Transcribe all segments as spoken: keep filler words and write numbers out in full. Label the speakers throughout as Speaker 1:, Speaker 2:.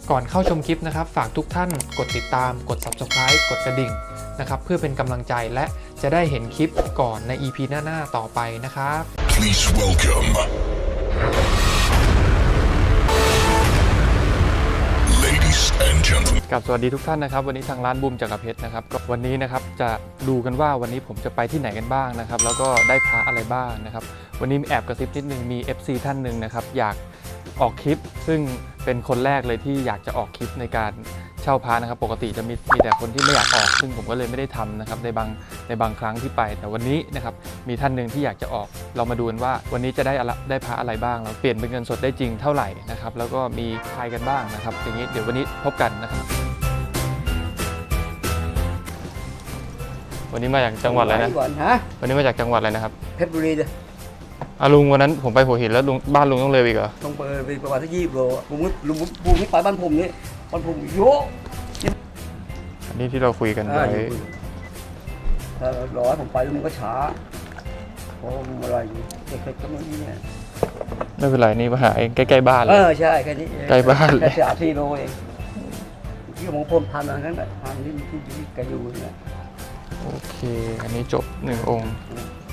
Speaker 1: ก่อนเข้าชมคลิปนะครับฝากทุกท่านกดติดตามกด ซับสไครบ์ กดกระดิ่งนะครับเพื่อเป็นกำลังใจและจะได้เห็นคลิปก่อนใน อี พี หน้าๆต่อไปนะครับ
Speaker 2: Please welcome ladies and gentlemen
Speaker 1: กับสวัสดีทุกท่านนะครับวันนี้ทางร้านบูมจักรเพชรนะครับก็วันนี้นะครับจะดูกันว่าวันนี้ผมจะไปที่ไหนกันบ้างนะครับแล้วก็ได้พระอะไรบ้างนะครับวันนี้แอบกระซิบนิดนึงมี เอฟ ซี ท่านหนึ่งนะครับอยากออกคลิปซึ่งเป็นคนแรกเลยที่อยากจะออกคลิปในการเช่าพระนะครับปกติจะมีมีแต่คนที่ไม่อยากออกซึ่งผมก็เลยไม่ได้ทำนะครับในบางในบางครั้งที่ไปแต่วันนี้นะครับมีท่านหนึ่งที่อยากจะออกเรามาดูกันว่าวันนี้จะได้อะไรได้พระอะไรบ้างเราเปลี่ยนเป็นเงินสดได้จริงเท่าไหร่นะครับแล้วก็มีใครกันบ้างนะครับอย่างนี้เดี๋ยววันนี้พบกันนะครับวันนี้มาจากจังหวัดอะไรนะวันนี้มาจากจังหวัดอะไรนะครับ
Speaker 3: เพชรบุรีเลย
Speaker 1: อาลุงวันนั้นผมไปหัวหินแล้วลุงบ้านลุงต้องเลยอีกเหรอ
Speaker 3: ต้องไปไปประมาณสักยี่สิบโลลุงลุงลุงนี่ไปบ้านผมนี่บ้านผมโย
Speaker 1: อันนี้ที่เราคุยกันไว้
Speaker 3: ถ้ารอให้ผมไปแล้วมันก็ช้าเพราะมันอะไรอยู่เล็กๆก็ไม่นี่เนี่ย
Speaker 1: ไม่เป็นไรนี่มาหาเองใกล้ๆบ้านเลย
Speaker 3: เออใช่แค่นี้
Speaker 1: ใกล้บ้านเลย
Speaker 3: แค่สามสี่โลเองที่มองพรมพันอะไรนั่นแหละพันที่ที่ที่กระยูเนี่ย
Speaker 1: โอเคอันนี้จบหนึ่งองค์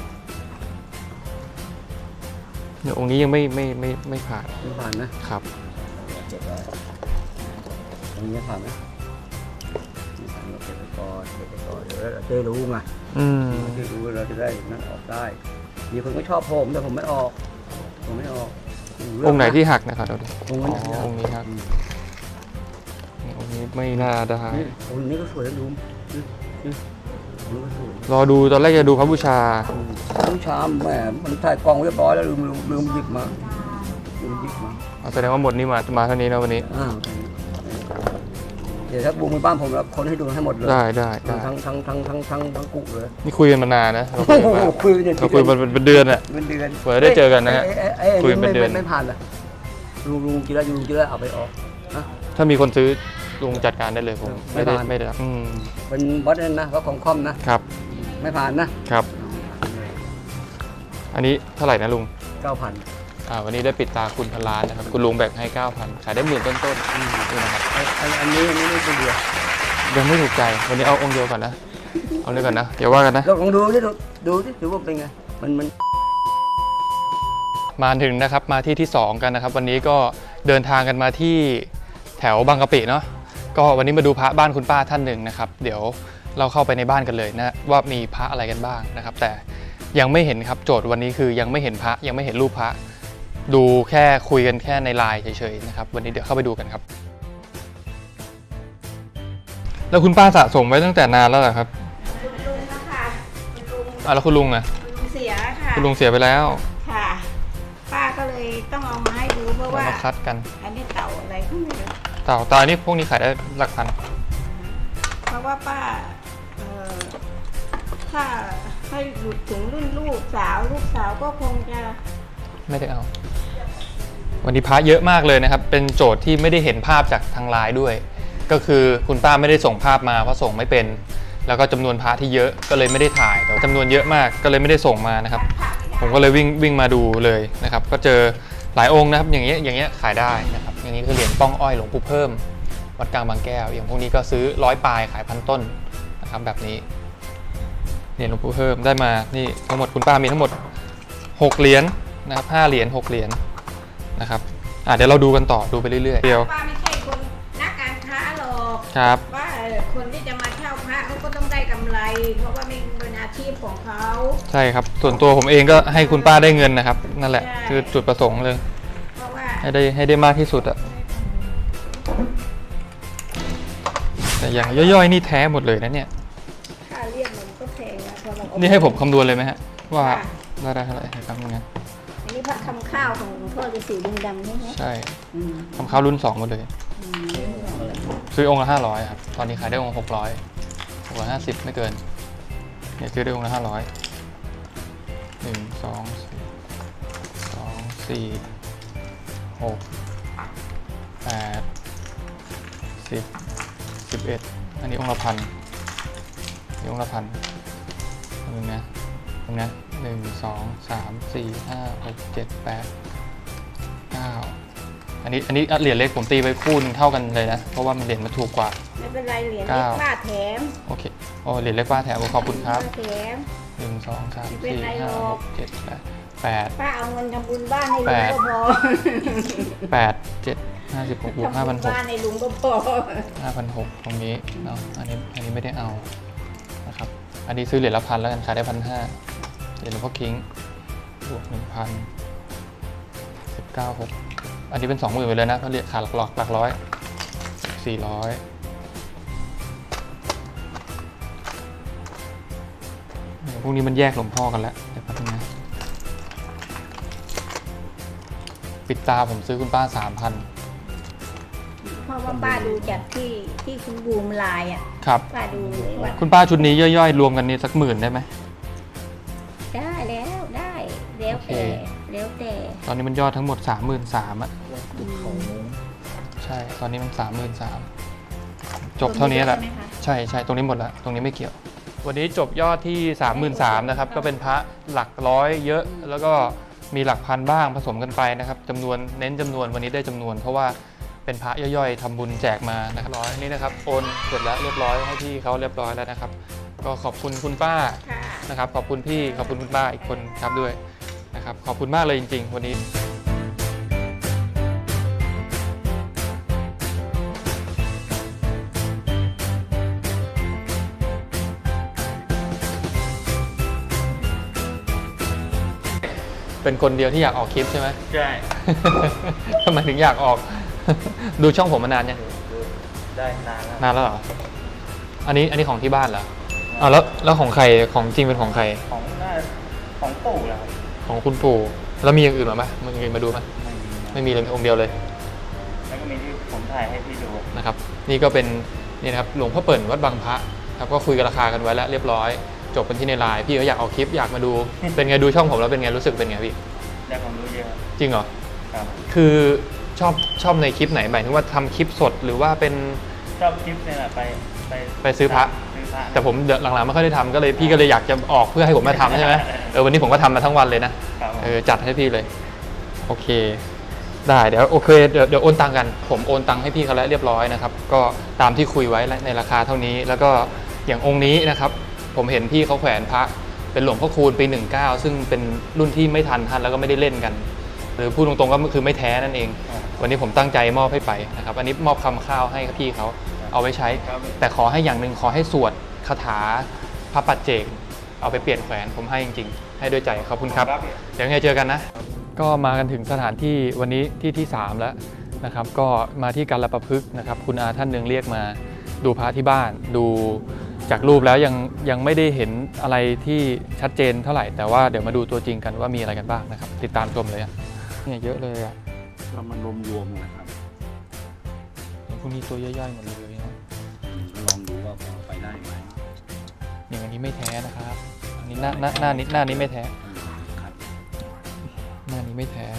Speaker 1: เนี่ยองค์นี้ยังไม่ไม่ไม่ไม่ผ่าน
Speaker 3: ไม่ผ่านนะครับเจ็บเลยองค์นี้ผ่านไหมไม่ผ่านเราเก็บไปก่อนเก็บไปก่อนเดี๋ยวเราจะรู้ไง
Speaker 1: อืม
Speaker 3: จะรู้เราจะได้นั่นออกได้มีคนก็ชอบผมแต่ผมไม่ออกผมไม่ออก
Speaker 1: องค์ไหนที่หักนะครับเราดู
Speaker 3: องค์นี้
Speaker 1: องค์นี้ครับองค์นี้ไม่น่าได้
Speaker 3: องค์นี้ก็สวยนะลุง
Speaker 1: รอดูตอนแรกจะดูพระบูชา
Speaker 3: พระบูชาแหมมันถ่ายกล้องเรียบร้อยแล้วลืมลืมหยิบมาลืมหยิบมา
Speaker 1: แสดงว่าหมดนี่มามาเท่านี้นะวันนี้
Speaker 3: เดี๋ยวถ้าบูมไปบ้านผมแล้วคนให้ดูให้หมดเลย
Speaker 1: ได้ได้
Speaker 3: ทั้งทั้งทั้งทั้งทั้งทั้งกุเลย
Speaker 1: นี่คุยกันมานานนะ
Speaker 3: เราคุย
Speaker 1: เราคุยมันเป็นเดือนอะ
Speaker 3: เป็นเดือน
Speaker 1: เผื่อได้เจอกันนะฮะคุยเป็นเดือน
Speaker 3: ไม่ผ่านเลยลุงลุงกินแล้วลุงกินแล้วเอาไปออก
Speaker 1: ถ้ามีคนซื้อลุงจัดการได้เลยผมไม่ได้ไม่ได้อืม
Speaker 3: เป็นวัดนั่นนะวัดของคอมนะครับไม่ผ่านนะครับ
Speaker 1: อันนี้เท่าไหร่นะลุง
Speaker 3: เก้าพัน
Speaker 1: อ่าวันนี้ได้ปิดตาคุณพันล้านนะครับคุณลุงแบ่งให้เก้าพันขายได้หมื่นต้นๆนี่นะครับ
Speaker 3: อันนี้อันนี้ไม่เป็นเดียว
Speaker 1: ยังไม่ถูกใจวันนี้เอาองค์เดียวก่อนนะเอาเลยก่อนนะเดี๋ยวว่ากันนะ
Speaker 3: ลองดูดิดูดิดูว่าเป็นไงมันมัน
Speaker 1: มาถึงนะครับมาที่ที่สองกันนะครับวันนี้ก็เดินทางกันมาที่แถวบางกะปิเนาะก็วันนี้มาดูพระบ้านคุณป้าท่านหนึ่งนะครับเดี๋ยวเราเข้าไปในบ้านกันเลยนะว่ามีพระอะไรกันบ้างนะครับแต่ยังไม่เห็นครับโจทย์วันนี้คือยังไม่เห็นพระยังไม่เห็นรูปพระดูแค่คุยกันแค่ในไลน์เฉยๆนะครับวันนี้เดี๋ยวเข้าไปดูกันครับแล้วคุณป้าสะสมไว้ตั้งแต่นานแล้วเหรอครับ
Speaker 4: คุณลุงนะคะคุณลุง
Speaker 1: อ่ะแล้วคุณลุงอ่ะ
Speaker 4: คุณลุงเสียค่ะ
Speaker 1: คุณลุงเสียไปแล้ว
Speaker 4: ค่ะป้าก็เลยต้องเอามาให้ดูเพราะว่า
Speaker 1: มาคัดกัน
Speaker 4: อันนี้เต่าอะไรก็ไม่รู้
Speaker 1: เต่าตานี่พวกนี้ขายได้หลักพัน
Speaker 4: เพราะว่าป้าเอ่อถ้าให้หลุดถึงรุ่นลูกสาวลูกสาวก็คงจะ
Speaker 1: ไม่ได้เอาวันนี้พระเยอะมากเลยนะครับเป็นโจทย์ที่ไม่ได้เห็นภาพจากทางไลน์ด้วยก็คือคุณป้าไม่ได้ส่งภาพมาเพราะส่งไม่เป็นแล้วก็จำนวนพระที่เยอะก็เลยไม่ได้ถ่ายแต่จำนวนเยอะมากก็เลยไม่ได้ส่งมานะครับผมก็เลยวิ่งวิ่งมาดูเลยนะครับก็เจอหลายองค์นะครับอย่างเงี้ยอย่างเงี้ยขายได้นะครับอย่างนี้คือเหรียญป้องอ้อยหลวงปู่เพิ่มวัดกลางบางแก้วอย่างพวกนี้ก็ซื้อร้อยปลายขายพันต้นนะครับแบบนี้เหรียญหลวงปู่เพิ่มได้มานี่ทั้งหมดคุณป้ามีทั้งหมดหกเหรียญนะครับห้าเหรียญหกเหรียญนะครับอ่ะเดี๋ยวเราดูกันต่อดูไปเรื่อยๆเดียว
Speaker 4: ป้าไม่ใช่คนนักการค้าหรอก
Speaker 1: ครับ
Speaker 4: ว่าคนที่จะมาเช่าพระเขาก็ต้องได้กำไรเพราะว่าเป็นอาชีพของเขา
Speaker 1: ใช่ครับส่วนตัวผมเองก็ให้คุณป้าได้เงินนะครับนั่นแหละคือจุดประสงค์เลย
Speaker 4: เพราะว่า
Speaker 1: ให้ได้ให้ได้มากที่สุดอะแต่อย่างย่อยๆนี่แท้หมดเลยนะเนี่ย
Speaker 4: ค่าเรียกมันก็แพงนะเพราะ
Speaker 1: นี่ให้ผมคำนวณเลยไหมฮะว่าได้ได้เท่าไหร่ครับงั้น
Speaker 4: อันนี้พระคำข้าวของหลวงพ่อฤาษีลิงดำนี่ไหม
Speaker 1: ใช่คำข้าวรุ่นสองหมดเลยซื้อองค์ละห้าร้อยครับตอนนี้ขายได้องค์หกร้อยหกร้อยห้าสิบไม่เกินเนี่ยซื้อได้องค์ละห้าร้อยหนึ่งสองสองสี่หกแปดสิบสิบเอ็ดอันนี้องค์ละพันนี่องค์ละพันตรงนี้นะตรงนี้หนึ่งสองสามสี่ห้าหกเจ็ดแปดเก้าแปอันนี้อันนี้เหรียญเล็กผมตีไปคู่นึงเท่ากันเลยนะเพราะว่ามันเหรียญมันถูกกว่า
Speaker 4: ไม่เป็นไรเหรียญ
Speaker 1: เก้า
Speaker 4: เล็กป้าแถม
Speaker 1: โอเคโอ้เหรียญเล็กป้าแถมขอบคุณครับ
Speaker 4: ป้าแถม
Speaker 1: หนึ่งสองสาม
Speaker 4: ไม่เป็น
Speaker 1: สี่
Speaker 4: ไรหร
Speaker 1: ห้า
Speaker 4: อก
Speaker 1: หกเจ็ดแปดแปด
Speaker 4: ป้าเอาเงินทำบุญบ้านให้ลุ
Speaker 1: แป
Speaker 4: ง
Speaker 1: ด
Speaker 4: ก็พอ
Speaker 1: แปดเจ็ดห้าสิบหกบวกห้า
Speaker 4: ทำ
Speaker 1: พั
Speaker 4: บุ
Speaker 1: น
Speaker 4: ญ
Speaker 1: หก
Speaker 4: บ้านให้ลุงก็พอ
Speaker 1: ห้าพันหกตรงนี้เนาะอันนี้อันนี้ไม่ได้เอานะครับอันนี้ซื้อเหรียญละพันแล้วกันขายได้พันห้าเหรียญหลวงพ่อคิงบวกหนึ่งพันสิบเก้าหกอันนี้เป็นสองหมื่นไปเลยนะเพราะเหรียญขาดหลักหลักหลักร้อยสี่ร้อยพวกนี้มันแยกหลวงพ่อกันแล้วเดี๋ยวแป๊บนึงนะปิดตาผมซื้อคุณป้าสามพัน
Speaker 4: เพราะว่าป้าดูจากที่ที่คุณบูมไลน์อ่ะ
Speaker 1: ครับ
Speaker 4: ป้าดูเลยว่า
Speaker 1: คุณป้าชุดนี้ย่อยๆ รวมกันนี่สักหมื่นได้ไหม
Speaker 4: ได้แล้วได้แล้ว
Speaker 1: โอเค
Speaker 4: แต่แล้วแต่
Speaker 1: ตอนนี้มันยอดทั้งหมด สามหมื่นสามพัน อ่ะ
Speaker 4: อืม
Speaker 1: ใช่ ตอนนี้มัน สามหมื่นสามพัน จบเท่านี้แหละ
Speaker 4: ใช่ไหมคะ
Speaker 1: ใช่ใช่ตรงนี้หมดแล้ว ตรงนี้ไม่เกี่ยว วันนี้จบยอดที่ สามหมื่นสามพัน นะครับ ก็เป็นพระหลักร้อยเยอะ แล้วก็มีหลักพันบ้างผสมกันไปนะครับจำนวนเน้นจำนวนวันนี้ได้จำนวน เพราะว่าเป็นพระย่อยๆทำบุญแจกมานะครับร้อยนี่นะครับโอนเสร็จแล้วเรียบร้อยให้พี่เขาเรียบร้อยแล้วนะครับ ก็ขอบคุณคุณป้า
Speaker 4: ค่ะ
Speaker 1: นะครับขอบคุณพี่ขอบคุณคุณป้าอีกคนครับด้วยนะครับขอบคุณมากเลยจริงๆ วันนี้เป็นคนเดียวที่อยากออกคลิปใช่ไหม
Speaker 5: ใช่
Speaker 1: ทำไมถึงอยากออก ดูช่องผมมานานยัง
Speaker 5: ได้นานแล้ว
Speaker 1: นานแล้วเหรออันนี้อันนี้ของที่บ้านเหรออ้าวแล้วแล้วของใครของจริงเป็นของใคร
Speaker 5: ของหน้าของปู่แล้วครับ
Speaker 1: ของคุณปู่แล้วมีอย่างอื่นมาไหมมึงมาดูไหม
Speaker 5: ไม่มี
Speaker 1: ไม่มีเลยมีองค์เดียวเลย
Speaker 5: แล้วก็มีที่ผมถ่ายให้พี่ดู
Speaker 1: นะครับนี่ก็เป็นนี่นะครับหลวงพ่อเปิ่นวัดบางพระครับก็คุยกันราคากันไว้แล้วเรียบร้อยจบกันที่ในไลน์พี่ก็อยากเอาคลิปอยากมาดู เป็นไงดูช่องผมแล้วเป็นไงรู้สึกเป็นไงพี่
Speaker 5: ได้ความรู้เยอะ
Speaker 1: จริงเหรอ
Speaker 5: ครับ
Speaker 1: คือชอบชอบในคลิปไหนหมายถึงว่าทำคลิปสดหรือว่าเป็น
Speaker 5: ชอบคลิปเนี่ยแหละไปไป
Speaker 1: ไปซื้อพระ
Speaker 5: ซื้อพระ
Speaker 1: แต่ผมเดี๋ยวหลังๆไม่ค่อยได้ทำก็เลยพี่ก็เลยอยากจะออกเพื่อให้ผมมาทำใช่ไหมเออวันนี้ผมก็ทำมาทั้งวันเลยนะครับ
Speaker 5: ผม
Speaker 1: เออจัดให้พี่เลยโอเค ได้เดี๋ยวโอเคเดี๋ยวเดี๋ยวโอนตังกัน ผมโอนตังให้พี่เขาแล้วเรียบร้อยนะครับก็ตามที่คุยไว้ในราคาเท่านี้ แล้วก็อย่างองค์นี้นะครับผมเห็นพี่เขาแขวนพระเป็นหลวงพ่อคูณปีหนึ่งเก้าซึ่งเป็นรุ่นที่ไม่ทันท่านแล้วก็ไม่ได้เล่นกัน หรือพูดตรงๆก็คือไม่แท้นั่นเอง วันนี้ผมตั้งใจมอบให้ไปนะครับอันนี้มอบคำข้าวให้พี่เขาเอาไว้ใช้ แต่ขอให้อย่างหนึ่งขอให้สวดคาถาพระปัจเจกเอาไปเปลี่ยนแขวนผมให้จริงๆ ให้ด้วยใจขอบคุณครับ เดี๋ยวไงเจอกันนะ ก็มากันถึงสถานที่วันนี้ที่ที่สามแล้วนะครับก็มาที่การละประพฤกษ์นะครับคุณอาท่านหนึ่งเรียกมาดูพระที่บ้านดูจากรูปแล้วยังยังไม่ได้เห็นอะไรที่ชัดเจนเท่าไหร่แต่ว่าเดี๋ยวมาดูตัวจริงกันว่ามีอะไรกันบ้างนะครับติดตามชมเลยอะเนี่ยเยอะเลยอ่ะ
Speaker 3: ก็มันรวมรวมๆนะครับ
Speaker 1: พวกนี้ตัวย่อยๆหมดเลยนะ
Speaker 3: ก็ลองดูว่าพอไปได้ไหม
Speaker 1: อย่างอันนี้ไม่แท้นะครับอันนี้หน้าหน้าหน้านี้หน้านี้ไม่แท้
Speaker 3: อืมครับ
Speaker 1: หน้านี้ไม่แท้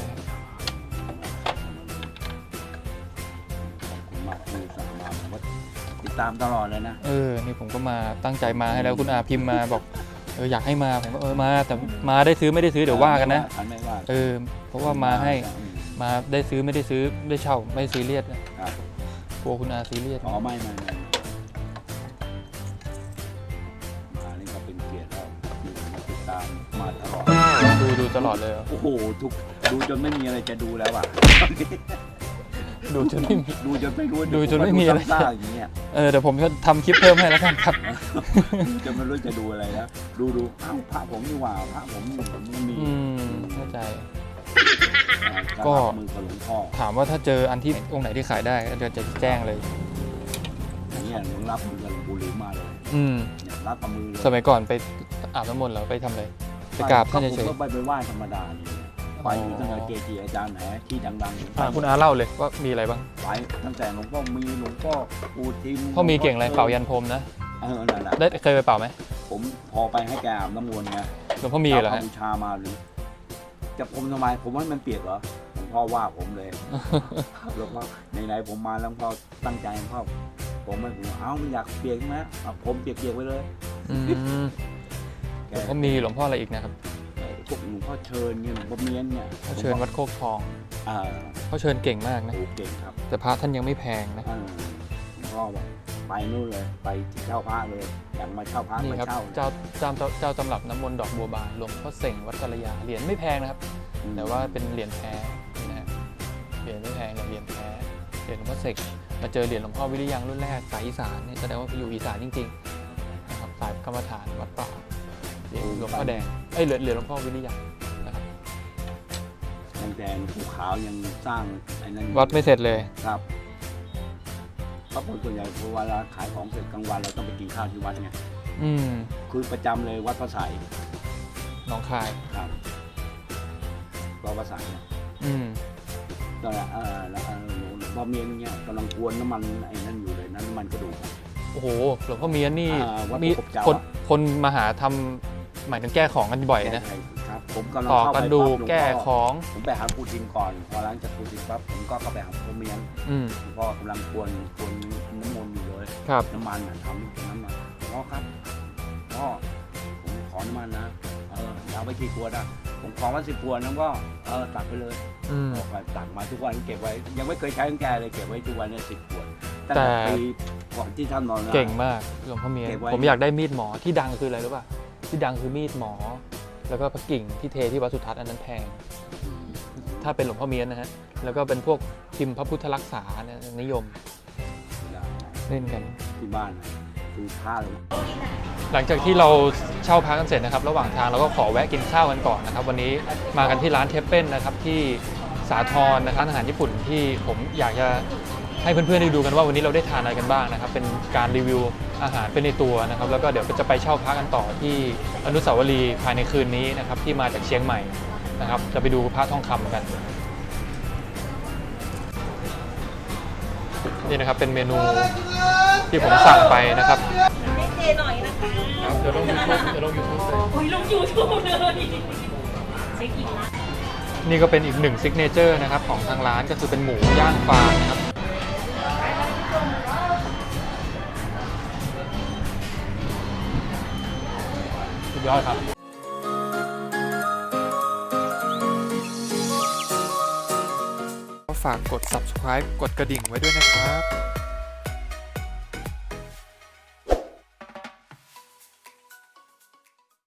Speaker 3: ขอบคุณมากที่สั่งมาผมก็ติดตามตลอดเลยนะ
Speaker 1: เออนี่ผมก็มาตั้งใจมาให้แล้วคุณอาพิมพ์มาบอกเอออยากให้มาผมก็เออมาแต่มาได้ซื้อไม่ได้ซื้อเดี๋ยวว่ากันนะ
Speaker 3: ฉันไม่ว่า
Speaker 1: เออเพราะว่ามาให้
Speaker 3: อืม
Speaker 1: มาได้ซื้อไม่ได้ซื้อได้เช่าไม่ซีเรียสนะครับ กลัวคุณอาซีเรียส
Speaker 3: อ๋อไม่ไม่ไม่มานี่ก็เป็นเกียรติแล้วอยู่มาติดตามมาตลอด
Speaker 1: ดูดูตลอดเลยเหรอ
Speaker 3: โอ้โหทุกดูจนไม่มีอะไรจะดูแล้วอ่ะ
Speaker 1: ดูจนไม่มี
Speaker 3: ดูจนไม่รู้
Speaker 1: ดูจนไม่มีอะไร
Speaker 3: ซ่าๆอย่างเงี้ย
Speaker 1: เออเดี๋ยวผมจะทำคลิปเพิ่มให้แล้วกันครับ
Speaker 3: ดูจนไม่รู้จะดูอะไรแล้วดูดูอ้าวพระผมนี่หว่าพระผมนี่ผมก็มี
Speaker 1: อืมเข้าใจ
Speaker 3: ก็
Speaker 1: ก็
Speaker 3: มือกับหลวงพ่อ
Speaker 1: ถามว่าถ้าเจออันที่องค์ไหนที่ขายได้ก็เดี๋ยวจะแจ้งเลย
Speaker 3: อย่างเงี้ยหลวงรับมือกับหลวงปู่หลิมมาเลย
Speaker 1: อืม
Speaker 3: เนี่ยรับกับมือเลย
Speaker 1: สมัยก่อนไปอาบน้ำมนต์เหรอไปทำอะไรไปกราบท่านเฉย
Speaker 3: ผมก็ไปไปไหว้ธรรมดาเนี่ยไปอยู่ตั้งแต่เกจิอาจารย์ไหนที่ดัง
Speaker 1: ๆอ่ะคุณอาเล่าเลยว่ามีอะไรบ้าง
Speaker 3: ไปตั้งแต่หลวงพ่อมีหลวงพ่อปูทิม
Speaker 1: พ่อมีเก่งอะไรเป่ายันพรมนะ
Speaker 3: เออนั่นแหละ
Speaker 1: ได้เคยไปเป่าไหม
Speaker 3: ผมพอไปให้แกอาบน้ำมนต์ไง
Speaker 1: หลวงพ่อมีเหรอ
Speaker 3: เอา
Speaker 1: ฮะ
Speaker 3: บูชามาหรือ จะพรมทำไมผมว่ามันเปียกเหรอหลวงพ่อว่าผมเลยหลวงพ่อไหนๆผมมาแล้วหลวงพ่อตั้งใจหลวงพ่อผมไม่ผมเอ้าไม่อยากเปียกใช่ไหมเอาผมเปียกๆไปเลย
Speaker 1: อืม
Speaker 3: แก
Speaker 1: หลวงพ่อมีหลวงพ่ออะไรอีกนะครับ
Speaker 3: เอ่อพวกหลวงพ่อเชิญเนี่ยหลวงพ่อเมียนเนี่ย
Speaker 1: เขาเชิญวัดโคกทอง
Speaker 3: อ่า
Speaker 1: เขาเชิญเก่งมากนะ
Speaker 3: โอ้เก่งครับ
Speaker 1: แต่พระท่านยังไม่แพงนะ
Speaker 3: อ่าหลวงพ่อบอกไปนู่นเลยไปที่เช่าพระเลยอยากมาเช่าพระ
Speaker 1: นี่
Speaker 3: ไป
Speaker 1: ครับ
Speaker 3: เช่า
Speaker 1: เจ้าเจ้าเจ้าเจ้าตำรับน้ำมนต์ดอกบัวบานหลวงพ่อเสงวัดกัลยาเหรียญไม่แพงนะครับ
Speaker 3: อืม
Speaker 1: แต่ว่าเป็นเหรียญแท้นี่นะฮะเหรียญไม่แพงแต่เหรียญแท้เหรียญหลวงพ่อเสกมาเจอเหรียญหลวงพ่อวิริยังรุ่นแรกสายอีสานเนี่ยแสดงว่าอยู่อีสานจริงๆนะครับสายกรรมฐานวัดป่าเหรียญหลวงพ่อแดงเอ้ยเหรียญเหรียญหลวงพ่อวิริยังนะครับ
Speaker 3: ยังแดงภูขาวยังสร้างไอ้นั่นอยู่
Speaker 1: วัดไม่เสร็จเลย
Speaker 3: ครับเพราะคนส่วนใหญ่เวลาขายของเสร็จกลางวันเราต้องไปกินข้าวที่วัดไง
Speaker 1: อืม
Speaker 3: คือประจำเลยวัดพระไสย
Speaker 1: หน้องคาย
Speaker 3: ครับวัดพระไสยเนี่ย
Speaker 1: อืม
Speaker 3: ตอนนั้นเออแล้วเออหลวงพ่อเมียนเนี่ยกำลังกวนน้ำมันไอ้นั่นอยู่เลยน้ำมันกระดูก
Speaker 1: โอ้โหหลวงพ่อเมียนนี่
Speaker 3: อ่าวัด
Speaker 1: มี
Speaker 3: พระกบเจ้า
Speaker 1: คน
Speaker 3: อะ
Speaker 1: คนมาหาทำหมายถึงแก้ของกันบ่อยนะ
Speaker 3: ใช่ครับผมกำลัง
Speaker 1: ต่อ
Speaker 3: เข้าก ไป
Speaker 1: ระดูก
Speaker 3: ปั๊บหลวง
Speaker 1: แก้
Speaker 3: พ่อ
Speaker 1: ของ
Speaker 3: ผมไปหาปูทินก่อนพอหลังจากปูทินปั๊บผมก็เข้าไปหาพ่อเมียน
Speaker 1: อืม
Speaker 3: หลวงพ่อกำลังกวนกวนน้ำมนต์อยู่เลย
Speaker 1: ครับ
Speaker 3: น้ำมันน่ะทำอยู่ตรงนั้นน่ะพ่อครับพ่อผมขอน้ำมันนะเออเอาไปกี่ขวดอ่ะผมขอมาสิบขวดนะก็เออตักไปเลย
Speaker 1: อืม
Speaker 3: ออกไปตักมาทุกวันเก็บไว้ ยังไม่เคยใช้ของแกเลยเก็บไว้ทุกวันเนี่ยสิบขวดตั้ง
Speaker 1: แต่
Speaker 3: แต่ปีก่อนที่ท่านนอนนะ
Speaker 1: เก่งมากหลวงพ่อเมียน
Speaker 3: เก็บไว้
Speaker 1: ผมอยากได้มีดหมอที่ดังคืออะไรรู้ป่ะที่ดังคือมีดหมอ แล้วก็พระกิ่งที่เทที่วัดสุทัศน์อันนั้นแพง ถ้าเป็นหลวงพ่อเมียนนะฮะแล้วก็เป็นพวกพิมพ์พระพุทธรักษาเนี่ยนิยมเล่นกัน
Speaker 3: ที่บ้านนะคือผ้าเลย
Speaker 1: หลังจากที่เราเช่าพักกันเสร็จนะครับ ระหว่างทางเราก็ขอแวะกินข้าวกันก่อนนะครับ วันนี้มากันที่ร้านเทปเป้นนะครับที่สาทรนะครับอาหารญี่ปุ่นที่ผมอยากจะให้เพื่อนๆได้ดูกันว่าวันนี้เราได้ทานอะไรกันบ้างนะครับ เป็นการรีวิวอาหารเป็นในตัวนะครับ แล้วก็เดี๋ยวจะไปเช่าพักกันต่อที่อนุสาวรีย์ภายในคืนนี้นะครับที่มาจากเชียงใหม่นะครับ จะไปดูพระทองคำกันนี่นะครับเป็นเมนูที่ผมสั่งไปนะครับ
Speaker 4: ให้เจหน่อยนะคะ
Speaker 1: ครับเดี๋ยวลงยูทูบเดี๋ยวลงยูทูบเลย
Speaker 4: โอ้ยลงยูทูบเลยเช็คอินละ
Speaker 1: นี่ก็เป็นอีกหนึ่งซิกเนเจอร์นะครับของทางร้านก็คือเป็นหมูย่างฟางนะครับสุดยอดครับฝากกด ซับสไครบ์ กดกระดิ่งไว้ด้วยนะครับ